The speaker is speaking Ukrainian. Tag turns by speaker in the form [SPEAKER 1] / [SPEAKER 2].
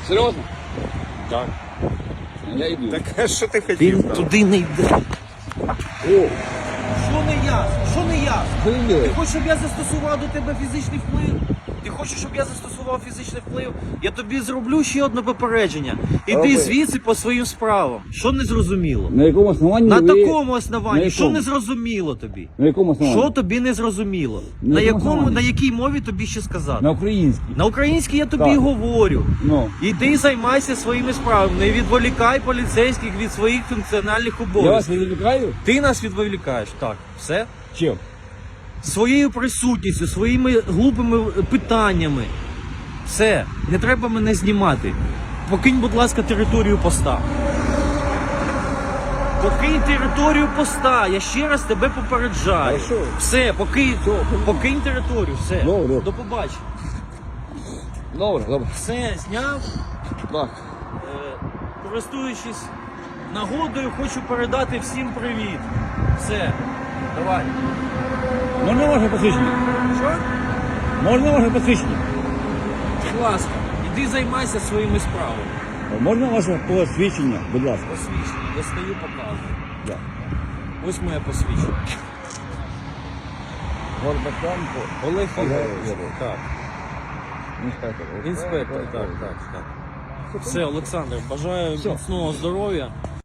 [SPEAKER 1] Серйозно?
[SPEAKER 2] Так.
[SPEAKER 1] Я йду.
[SPEAKER 2] Так а що ти хотів?
[SPEAKER 3] Він
[SPEAKER 2] там?
[SPEAKER 3] туди не йде.
[SPEAKER 1] О,
[SPEAKER 3] Що не ясно? Що не ясно?
[SPEAKER 1] що він
[SPEAKER 3] Ти
[SPEAKER 1] робить?
[SPEAKER 3] хочеш, щоб я застосував до тебе фізичний вплив? Ти хочеш, щоб я застосував фізичний вплив? Я тобі зроблю ще одне попередження. Іди
[SPEAKER 1] Роби.
[SPEAKER 3] звідси по своїм справам. Що не зрозуміло?
[SPEAKER 1] На якому основанні
[SPEAKER 3] На
[SPEAKER 1] ви...
[SPEAKER 3] такому
[SPEAKER 1] На
[SPEAKER 3] основанні, що
[SPEAKER 1] якому?
[SPEAKER 3] не зрозуміло тобі?
[SPEAKER 1] На якому основанні?
[SPEAKER 3] Що тобі не зрозуміло?
[SPEAKER 1] На
[SPEAKER 3] На
[SPEAKER 1] якому
[SPEAKER 3] якому,
[SPEAKER 1] основанні?
[SPEAKER 3] на якій мові тобі ще сказати?
[SPEAKER 1] На українській.
[SPEAKER 3] На українській я тобі
[SPEAKER 1] Так.
[SPEAKER 3] говорю.
[SPEAKER 1] Ну.
[SPEAKER 3] Іди займайся своїми справами, не відволікай поліцейських від своїх функціональних
[SPEAKER 1] Я вас
[SPEAKER 3] обов'язків.
[SPEAKER 1] відволікаю?
[SPEAKER 3] Ти нас відволікаєш, так, все?
[SPEAKER 1] Чим?
[SPEAKER 3] Своєю присутністю, своїми глупими питаннями. Все, не треба мене знімати. Покинь, будь ласка, територію поста. Покинь територію поста, я ще раз тебе попереджаю.
[SPEAKER 1] Хорошо.
[SPEAKER 3] Все, покинь територію, все.
[SPEAKER 1] Добре.
[SPEAKER 3] До побачення.
[SPEAKER 1] Добре, добре.
[SPEAKER 3] Все, зняв.
[SPEAKER 1] Так.
[SPEAKER 3] Користуючись нагодою, хочу передати всім привіт. Все, давай.
[SPEAKER 1] Можна ваше посвідчення?
[SPEAKER 3] Що?
[SPEAKER 1] Можна ваше посвідчення?
[SPEAKER 3] Будь ласка, іди займайся своїми справами.
[SPEAKER 1] Можна ваше посвідчення, будь ласка?
[SPEAKER 3] Посвідчення, достаю, показую.
[SPEAKER 1] Да.
[SPEAKER 3] Ось моє посвідчення.
[SPEAKER 1] Горбатенко.
[SPEAKER 3] Олег
[SPEAKER 1] Олег
[SPEAKER 3] Ігорович.
[SPEAKER 1] Ігорович.
[SPEAKER 3] Так.
[SPEAKER 1] Інспектор.
[SPEAKER 3] Інспектор, так. Все, Олександр, бажаю
[SPEAKER 1] Все.
[SPEAKER 3] міцного здоров'я.